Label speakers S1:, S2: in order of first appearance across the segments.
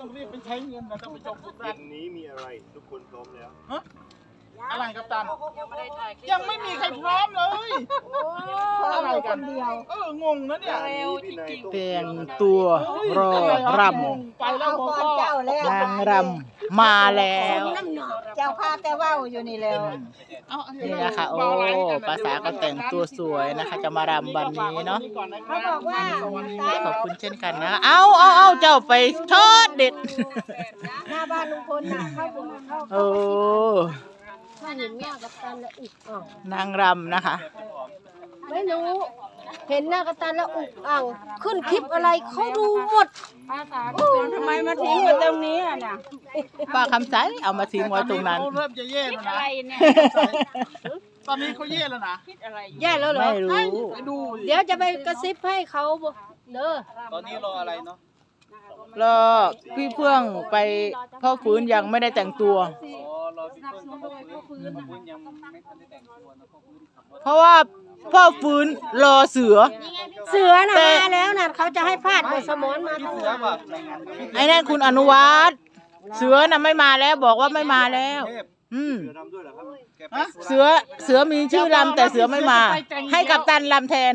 S1: ต้องรีบไปใช้เงินนะต้องไปจบทุก
S2: เย็
S1: รัฐ
S2: นนี้มีอะไรทุกคนพร้อมแล้ว
S1: อะไรครับตันยังไม่มีใครพร้อมเลยอะไรกันงงนะเนี่ย
S3: แต่งตัวรอรำ
S1: ไปแล้วผมก็
S3: นางรำมาแล้ว
S4: เจ้าพาแต่ว่าวอยู่นี่แล้ว
S3: นี่นะคะโอ้ภาษาก็แต่งตัวสวยนะคะ จะมารำวันนี้เนาะ
S4: เขาบอกว่า
S3: ขอบคุณเช่นกันนะเอาเจ้าไปทอดเด็ด
S4: หน้าบ้านลุงพลน่ะเข้าบุญเข้า
S3: โอ้
S4: ถ้าเห็นหน้ากับตันแล้วอุกอ่าง
S3: นางรำนะคะ
S4: ไม่รู้ เห็นหน้ากับตันแล้วอุกอ่างขึ้นคลิปอะไรเขาดูหมดทำไมมาทิ้งไว้ตรงนี้อ่ะเนี่ย
S3: ป้าคำใสเอามาทิ้งไว้ตรงนั้น
S1: เขาเริ่มจะแย่แล้วนะตอนนี้เขาแย่แล้วนะ
S4: แย่แล้วเหรอ
S3: ไม่รู้
S1: ไปดู
S4: เดี๋ยวจะไปกระซิบให้เขาเด้อ
S1: ตอนนี้รออะไรเนาะ
S3: แล้วพี่เพื่องไปพ่อฟื้นยังไม่ได้แต่งตัว
S1: รอพี่เพิ่งเขาฟื้นยังไม่ทันได้แต่งตัวนะเขาฟื้นขับรถ
S3: เพราะว่าพ่อฟื้นรอเสือ
S4: เสือน่ะมาแล้วน่ะเขาจะให้พาดบทสมอนมาทั้ง
S1: เสือ
S4: วัน
S1: แบบในงาน
S3: ไอ้นั่นคุณอนุวัฒน์เสือน่ะไม่มาแล้วบอกว่าไม่มาแล้ว อืม
S2: เสือรำด้วยเหรอครับแกไป
S3: เสือมีชื่อลำแต่เสือไม่มา ให้กับตันลำแทน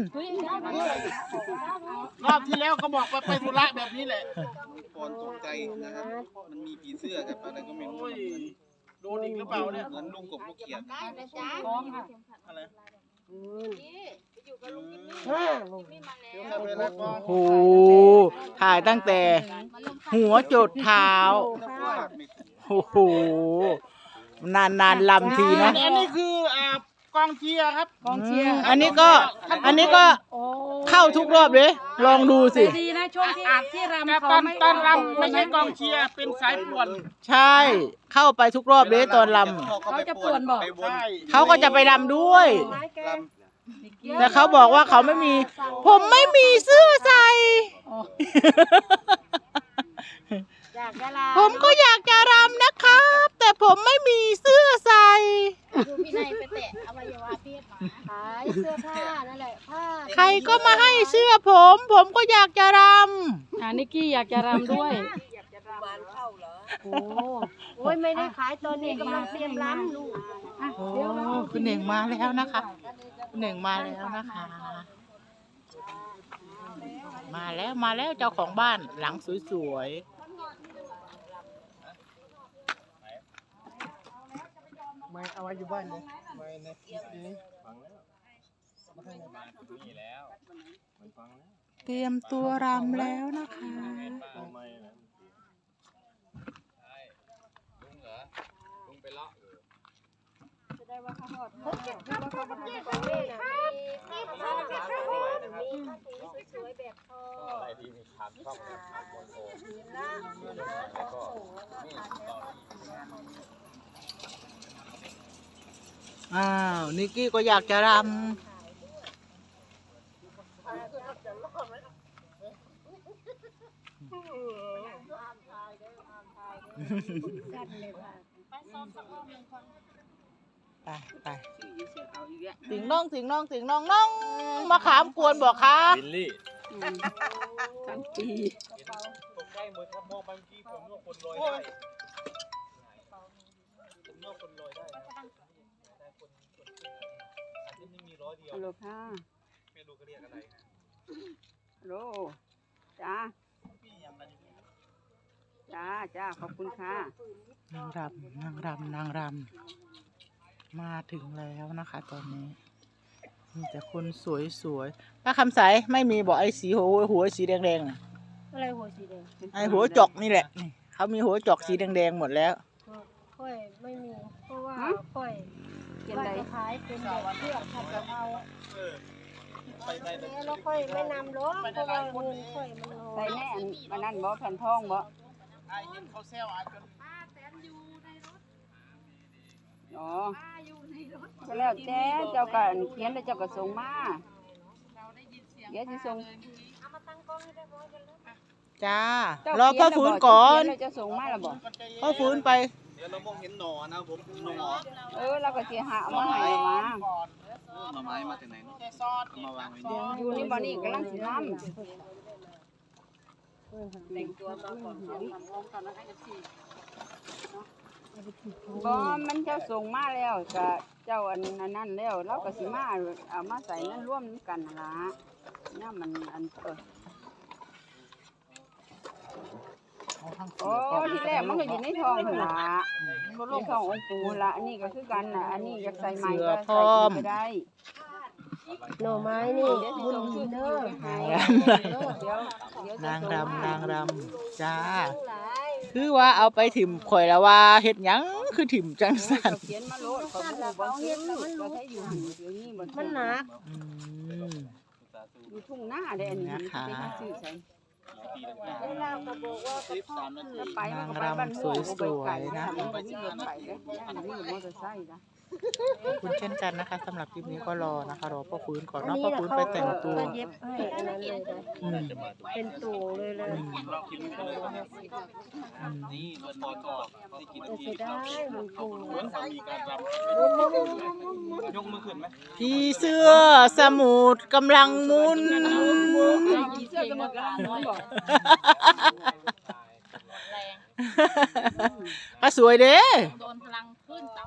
S1: รอบที่แล้วก็บอกไปธุระแบบนี้แหละ
S5: ก่อนตกใจนะครับ มันมีผีเสื้อกับอะไรก็ไม่รู้
S1: โอ้ยโดนอีกหรือเปล่าเนี่ย
S5: เหมือนลุงกบลูกเขียด
S1: อะไร
S3: โอ้โหถ่ายตั้งแต่หัวจดเท้า โอ้โห นานลำทีนะ
S1: อันนี้คือกองเชียร์ครับกองเชียร์
S3: อันนี้ก็เข้าทุกรอบเลย ลองดูสิ
S4: ดีนะช่วงที่รำ
S1: แต่
S4: เขา
S1: ตอนรำไม่ใช่กองเชียร์เป็นสายป่วน
S3: ใช่ เข้าไปทุกรอบเลยตอนล
S4: เขาจะป่วนบอก
S5: ไปวน
S1: ใช่
S3: ำเขาก็จะไปลำด้วย
S5: ล
S3: แต่เขาบอกว่าเขาไม่มี ผมไม่มีเสื้อใส่
S4: อยากจะลา
S3: ผมก็อยากจะรำนะครับ แต่ผมไม่มีเสื้อใส่
S6: ดูพี่นายไปแตะอวัยวะเพศหมา
S4: ขายเสื้อผ้านั่นแหละผ้า
S3: ใครก็มาให้เสื้อผม ผมก็อยากจะร
S7: นิกกี้อยากจะรำด้วย
S4: โอ้ยไม่ได้ขายตอนนี้กำลังเตรียมรำลูก
S3: ำโอ้คุณเหน่งมาแล้วนะคะคุณเหน่งมาแล้วนะคะ มาแล้วเจ้าของบ้านหลังสวยๆ
S1: ไม่เอาไว้อยู่บ้านเลยไม่ในคลิปนี้
S2: ฟังแล้วนี่แล้วมันฟังแล้ว
S3: เตรียมตัวรำแล้วนะคะ
S2: ทำไมนะ
S5: อะไรที่มีทางช่องทางบนโซ่แล้วก็นี่ต่อ
S3: อ้าว นิกกี้ก็อยากจะรำไปสิงน้องมาขามกวนบอกค่ะ
S2: บิลลี่
S1: ตกใจเหมือนครับมองบางทีผมนึกว่าคนลอยได้ผมนึกว่าคนลอยได้นะแต่คนอาจจะไม่มีร้อยเดียว
S7: ฮัลโหลค่ะ
S1: ไม่รู้เขาเรียกอะไรนะ
S7: ฮัลโหลจ้า จ้า ขอบคุณค่ะ
S3: นางรำมาถึงแล้วนะคะ ตอนนี้มีแต่คนสวยๆป้าคำใสไม่มีบอกไอ้สีหัวสีแดงๆน่ะ
S4: อะไรหัวสีแดง
S3: ไอ้หัวจอกนี่แหละนี่เขามีหัวจอกสีแดงๆหมดแล้ว
S4: ค่อยไม่มี เพราะว่าค่อยว่าจะขายเป็นแบบเพื่อผัดกะเพรา
S1: ไปไปไป
S4: แล้วค่อยไม่นำหรอกเพราะว่าเงินค่อยมันน้อ
S7: ใส่
S4: ย
S7: แน่อันนั้นบ่แผ่นทองบ่
S1: ไอ้เห็นเขาแซวอาจจะ
S7: อ๋อก็แล้วแต่เจ้าก็เขียนแล้วเจ้าก็ส่งมาเดี๋ยวสิส่ง
S3: จ้า
S7: เจ้าร
S3: อพ่อฟื้นก่อน
S7: เขียแล้วเจ้าส่งมาแล้วบ่
S3: พ่อฟื้นไป
S5: เดี๋ยวเรามองเห็นหน่อนะผมหน่อ
S7: เราก็สิหาเอามาให้มา
S5: หน่อไม้มาจากไหนเนาะ
S1: แค่ซอส
S5: เอามาวางไว้นี่
S7: อยู่นี่บ่นี่กำลังสิทำ
S4: โ
S7: แต่งตัวมาก่อนบ่มันเจ้าส่งมาแล้วก็เจ้าอันนั้นแล้วเราก็สิมาเอามาใส่นั่นร่วมกันนั่นล่ะเนี่ยมันอันโอ้ที่แรกมันก็อยู่ในท้องหั่นล่ะในท้ององค์ปู่ล่ะอันนี้ก็คือกันน่ะอันนี้อยากใส่ใหม่ก็ใส่ก็ได้
S4: หน่อไม้นี่บุญดีเด้อน
S3: างรำนางรำจ้าคือว่าเอาไปถิ่มข่อยแล้วว่าเฮ็ดหยังคือถิ่มจังสั่น
S7: เขียนมาโลดเขาบ่เขียนบ่ให้อยู่เดี๋ยวนี้บ่
S4: มันหนัก
S7: อยู่ทุ่งนาได้อันนี้ไปหาซื้อใส่
S4: เวลาก็บอกว่า
S1: 13 นาที
S7: ไปมันก็ไปบ้านม่วงไปไกลนะมันบ่มีรถไปเด้อันนี้มอเตอร์ไซค์นะ
S3: ขอบคุณเช่นกันนะคะสำหรับคลิปนี้ก็รอนะคะรอพ่อฟื้นก่อนเนาะพ่อฟื้นไปแต่งตัว
S4: เย็บให้อันนั้นเลยนะ
S3: อืม
S4: เป็นตูเลยเลย
S2: นี่รถมอเตอร์ได้กี่นา
S4: แต่
S2: ที
S4: เสียดายมันปู
S2: เหมือนเขามีการรำยกมือขึ้นไหม
S3: พี่เสื้อสมุทรกำลังหมุน
S7: เสื้อจะหมดกำลังบอก
S6: แรง
S3: ก็สวยเด้
S6: โดนพลังขึ้นเตา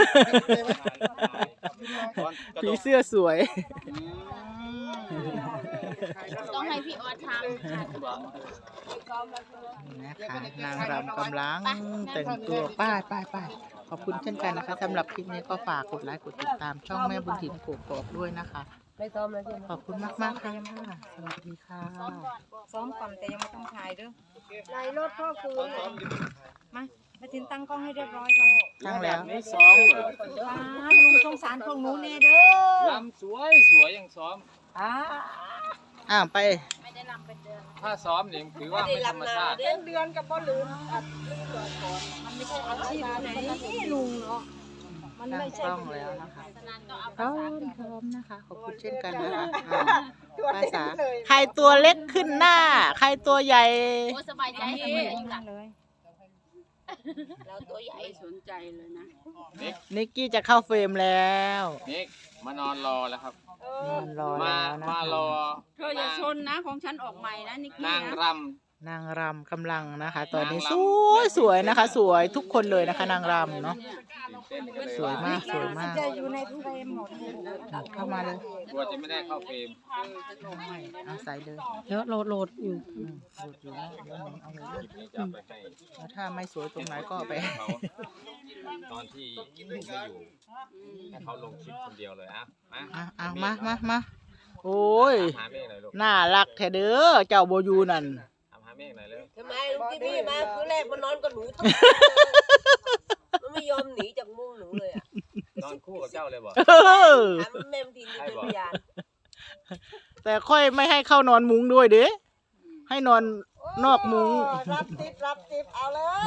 S3: ผีเสื้อสวย
S6: ต้องให้พี่ออสทำ
S3: นะคะนางรำกำลังแต่งตัวป้ายขอบคุณเช่นกันนะคะสำหรับคลิปนี้ก็ฝากกดไลค์กดติดตามช่องแม่บุญถิ่นโกกอกด้วยนะคะ
S4: ไม่ซ้อมแล้วใช่ไหม
S3: ขอบคุณมากๆค่ะสวัสดีค่ะ
S7: ซ้อมก่อนแต่ยังไม่ต้องถ่ายเด้อ
S4: ในรถพ่อคืน
S7: มาถึงตั้งกล้องให้เรียบร้อยก่อน
S3: ตั้งแล้ว
S2: ไม่ซ้อมเหรอ
S7: ลุงสงสารพวกหนูแน่เด้อ
S2: รำสวยยังซ้อม
S3: ไป
S6: ไม่ได้รำเป็นเดือน
S2: ถ้าซ้อมเนี่ยถือว่าไม่ธรรมชาติ
S7: เดือนกับบ่ลืมมันไม่ใช่อาชีพไหนลุงเนาะมัน
S3: ตั้
S7: ไม่
S3: ง
S7: ใช่
S3: กล้องแล้วนะคะ
S6: ฉะนั้นก็เอา
S3: พร้อมนะคะ ขอบคุณเช่นกันนะคะภาษาใครตัวเล็กขึ้นหน้า ใครตัวใหญ่
S6: โอ้สบายใจเสมออยู่หลัง
S7: เลย
S6: เราตัวใหญ่
S7: ไม่สนใจเลยนะ
S3: นิกกี้จะเข้าเฟรมแล้ว
S2: นิกมานอนรอแล้วครับ
S3: มันรอ
S2: มา
S3: แล้วนะ
S2: มารอ
S7: เธออย่าชนนะของฉันออกใหม่นะนิกกี้
S2: นาง
S7: นะ
S2: ร
S3: นางรำกำลังนะคะ ตอนนี้
S2: นาง
S3: ส
S2: รำ
S3: วยนะคะ สวยทุกคนเลยนะคะ นางรำเนาะ
S2: ำตื่นเต้นกันเลย
S3: สวยมากสวยมาก
S7: จะอยู่ในเฟรมหมด
S3: เข้ามาเลย
S2: กลัวจะไม่ได้เข้าเฟรม
S3: เอาใส่เลย
S4: เดี๋ยวโหลดอยู่
S3: โหลดอยู่นะเดี๋ยวหนูเอาเลย
S2: คลิปนี้จะเอาไปให้
S3: แล้วถ้าไม่สวยตรงไหนก็เอาไป
S2: เขาตอนที่ลุงไม่อยู่ให้เขาลงคลิปคนเดียวเลยอ่ะ
S3: มาโอ้ย
S2: หาเมฆหน่อยลูก
S3: น่ารักแท้เด้อเจ้าโบอยูนั่น
S2: ทำหาเมฆหน่อยเร็ว
S8: ทำไมลุงที่พี่มาคือแรกมันนอนกับหนูทั้งมันไม่ยอมหนีจากมุ้งหนูเลยอ่ะ
S2: นอนคู่กับเจ้าเลยบอก
S8: ถามแม่มทีนี่เป็นพยาน
S3: แต่ค่อยไม่ให้เข้านอนมุ้งด้วยเด้ให้นอนนอกมุ้ง
S8: รับติบเอาเลย